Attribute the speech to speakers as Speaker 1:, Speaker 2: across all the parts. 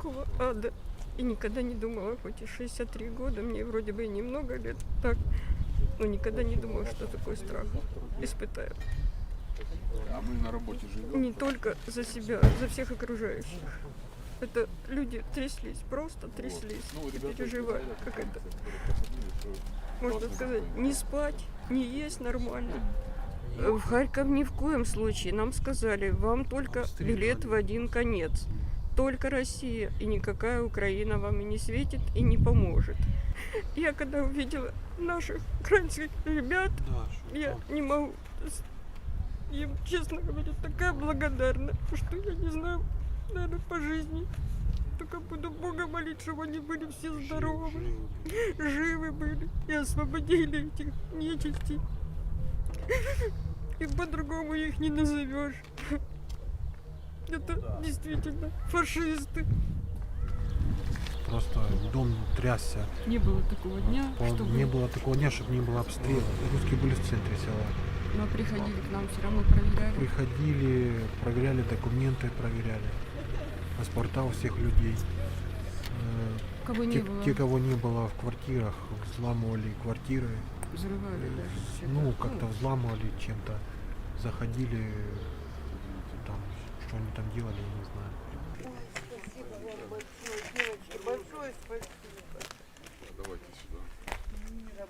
Speaker 1: такого ада. И никогда не думала, хоть и 63 года, мне вроде бы и немного лет, так, но никогда не думала, что такой страх испытаю.
Speaker 2: А мы на работе живем?
Speaker 1: Не только за себя, за всех окружающих. Это люди тряслись, просто тряслись и переживали, как это, можно сказать, не спать, не есть нормально. В Харьков ни в коем случае. Нам сказали, вам только билет в один конец. Только Россия, и никакая Украина вам и не светит, и не поможет. Я когда увидела наших украинских ребят, я не могу... Им, честно говоря, такая благодарна, что я не знаю, наверное, по жизни. Только буду Бога молить, чтобы они были все здоровы, живы были и освободили этих нечистей. И по-другому их не назовешь. Это действительно фашисты.
Speaker 3: Просто дом трясся.
Speaker 1: Не было такого дня, чтобы...
Speaker 3: Не было такого дня, чтобы не было обстрела. Русские были в центре села.
Speaker 1: Но приходили к нам, все равно проверяли.
Speaker 3: Приходили, проверяли документы, проверяли паспорта у всех людей.
Speaker 1: Кого не было.
Speaker 3: Те, кого не было в квартирах, взламывали квартиры.
Speaker 1: Взрывали даже.
Speaker 3: Ну, как-то взламывали чем-то. Заходили, там, что они там делали, я не знаю.
Speaker 4: Спасибо вам большое, девочки, большое спасибо.
Speaker 2: Давайте сюда.
Speaker 4: Мира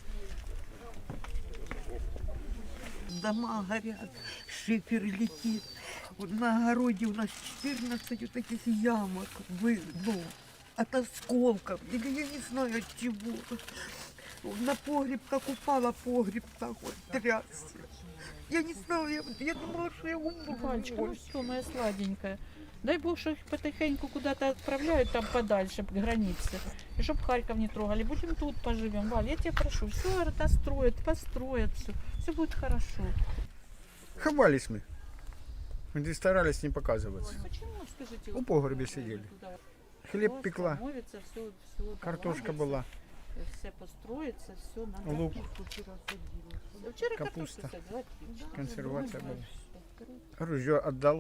Speaker 4: быстрее. Дома горят, шифер летит. Вот на огороде у нас 14 вот таких ямок, от осколков, или я не знаю от чего. На погреб, как упала погреб, так вот трясся. Я не знала, я думала, что я умру.
Speaker 5: Пальчика, ну что, моя сладенькая. Дай Бог, что их потихоньку куда-то отправляют там подальше, к границе. И чтоб Харьков не трогали. Будем тут поживем. Валь, я тебя прошу, все достроят, построят, все будет хорошо.
Speaker 6: Ховались мы. Мы старались не показываться.
Speaker 5: Почему, скажите?
Speaker 6: У погреба сидели. Хлеб пекла,
Speaker 5: Становится, все,
Speaker 6: картошка была,
Speaker 5: все построится, все надо.
Speaker 6: лук,
Speaker 5: Вчера
Speaker 6: капуста,
Speaker 5: картошку садила, отлично.
Speaker 6: консервация была. Ружье отдал.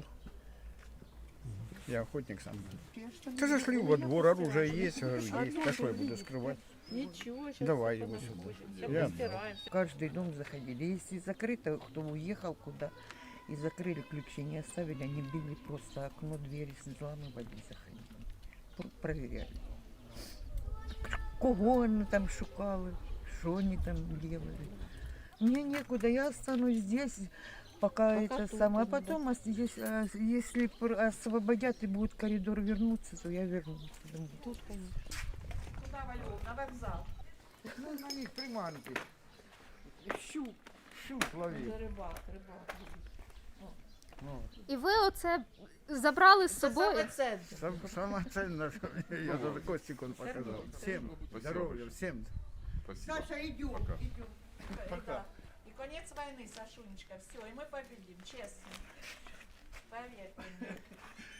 Speaker 6: Я охотник сам. Ты зашли во двор, оружие есть, говорю, есть. А что я буду скрывать?
Speaker 5: Ничего, сейчас
Speaker 6: Давай
Speaker 5: все
Speaker 6: его
Speaker 5: потом
Speaker 6: сюда.
Speaker 5: будет. Все
Speaker 6: Я-
Speaker 5: постираемся.
Speaker 4: В каждый дом заходили. Если закрыто, кто уехал куда, и закрыли ключи, не оставили, они били просто окно, двери, взламывали и заходили. Проверяли. Кого они там шукали, что они там делали. Мне некуда, я останусь здесь, пока это
Speaker 5: тут
Speaker 4: самое. А
Speaker 5: будем,
Speaker 4: потом, если освободят и будет коридор вернуться, то я вернусь домой.
Speaker 5: Тут, конечно. Куда, Валёв, на вокзал?
Speaker 6: Ну, на них приманки. Щуп ловить.
Speaker 5: Це рибак.
Speaker 7: І ви оце забрали з собою?
Speaker 5: Це
Speaker 6: Самое ценное, что я даже Костик он показал. Всем здоровья, всем.
Speaker 2: Спасибо.
Speaker 4: идем,
Speaker 2: Пока.
Speaker 6: Пока.
Speaker 5: И конец войны, Сашунечка. Все, и мы победим, честно. Поверьте мне.